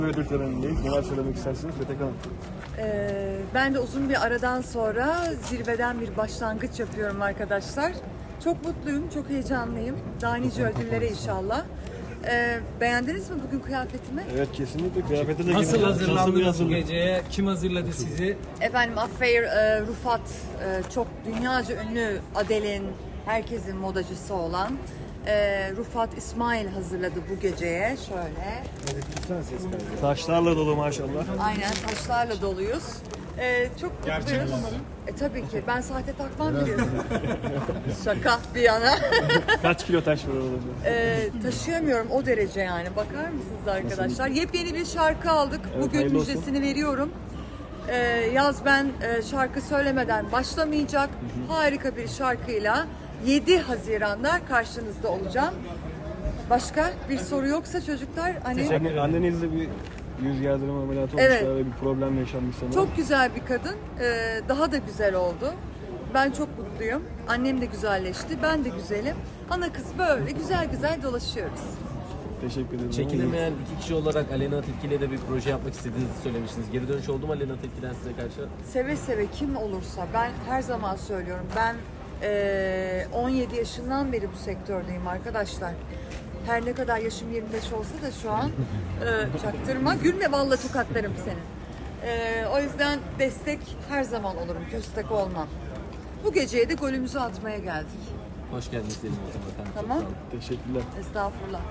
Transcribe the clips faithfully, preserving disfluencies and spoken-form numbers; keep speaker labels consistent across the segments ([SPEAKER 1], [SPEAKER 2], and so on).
[SPEAKER 1] Ödül törenindeyiz. Neler söylemek istersiniz Petek Hanım?
[SPEAKER 2] Ee, ben de uzun bir aradan sonra zirveden bir başlangıç yapıyorum arkadaşlar. Çok mutluyum, çok heyecanlıyım. Daha nice ödüllere inşallah. Ee, beğendiniz mi bugün kıyafetimi?
[SPEAKER 1] Evet, kesinlikle kıyafete de
[SPEAKER 3] Nasıl
[SPEAKER 1] gireceğiz.
[SPEAKER 3] hazırlandınız bu
[SPEAKER 1] hazırlık?
[SPEAKER 3] geceye? Kim hazırladı sizi?
[SPEAKER 2] Efendim Affair e, Rufat, e, çok dünyaca ünlü Adele'in, herkesin modacısı olan e, Rufat İsmail hazırladı bu geceye. Şöyle.
[SPEAKER 1] Taşlarla dolu maşallah.
[SPEAKER 2] Aynen, taşlarla doluyuz. Ee, çok mutluyuz. E tabii ki. Ben sahte takmam biliyorsun. Şaka bir yana.
[SPEAKER 1] Kaç kilo taş var orada?
[SPEAKER 2] Ee, taşıyamıyorum o derece yani. Bakar mısınız arkadaşlar? Yepyeni bir şarkı aldık.
[SPEAKER 1] Evet,
[SPEAKER 2] Bugün
[SPEAKER 1] hayırlı olsun.
[SPEAKER 2] müjdesini veriyorum. Ee, yaz ben e, şarkı söylemeden başlamayacak. Harika bir şarkıyla yedi Haziran'da karşınızda olacağım. Başka bir soru yoksa çocuklar hani
[SPEAKER 1] Anne, annenizle bir yüz gerdirme ameliyatı
[SPEAKER 2] Evet.
[SPEAKER 1] olmuşlar ve bir problem yaşanmış sanırım.
[SPEAKER 2] çok güzel bir kadın. Ee, daha da güzel oldu. Ben çok mutluyum. Annem de güzelleşti. Ben de güzelim. Ana kız böyle güzel güzel dolaşıyoruz.
[SPEAKER 1] Teşekkür ederim.
[SPEAKER 3] Çekilemeyen iki kişi olarak Aleyna Tilki ile de bir proje yapmak istediğinizi söylemiştiniz. Geri dönüş oldu mu Aleyna Tilki'den size karşı?
[SPEAKER 2] Seve seve kim olursa, ben her zaman söylüyorum, ben eee, on yedi yaşından beri bu sektördeyim arkadaşlar. Her ne kadar yaşım yirmi beş olsa da şu an eee, çaktırma, gülme vallahi tokatlarım seni. Eee, o yüzden destek her zaman olurum, köstek olmam. Bu geceye de golümüzü atmaya geldik.
[SPEAKER 3] Hoş geldiniz diyelim o zaman efendim. Çok
[SPEAKER 2] Tamam.
[SPEAKER 3] sağ olun.
[SPEAKER 1] Teşekkürler.
[SPEAKER 2] Estağfurullah.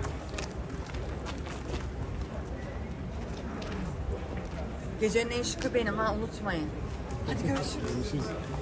[SPEAKER 2] Gecenin en şıkı benim ha, unutmayın. Hadi görüşürüz.
[SPEAKER 1] Görüşürüz.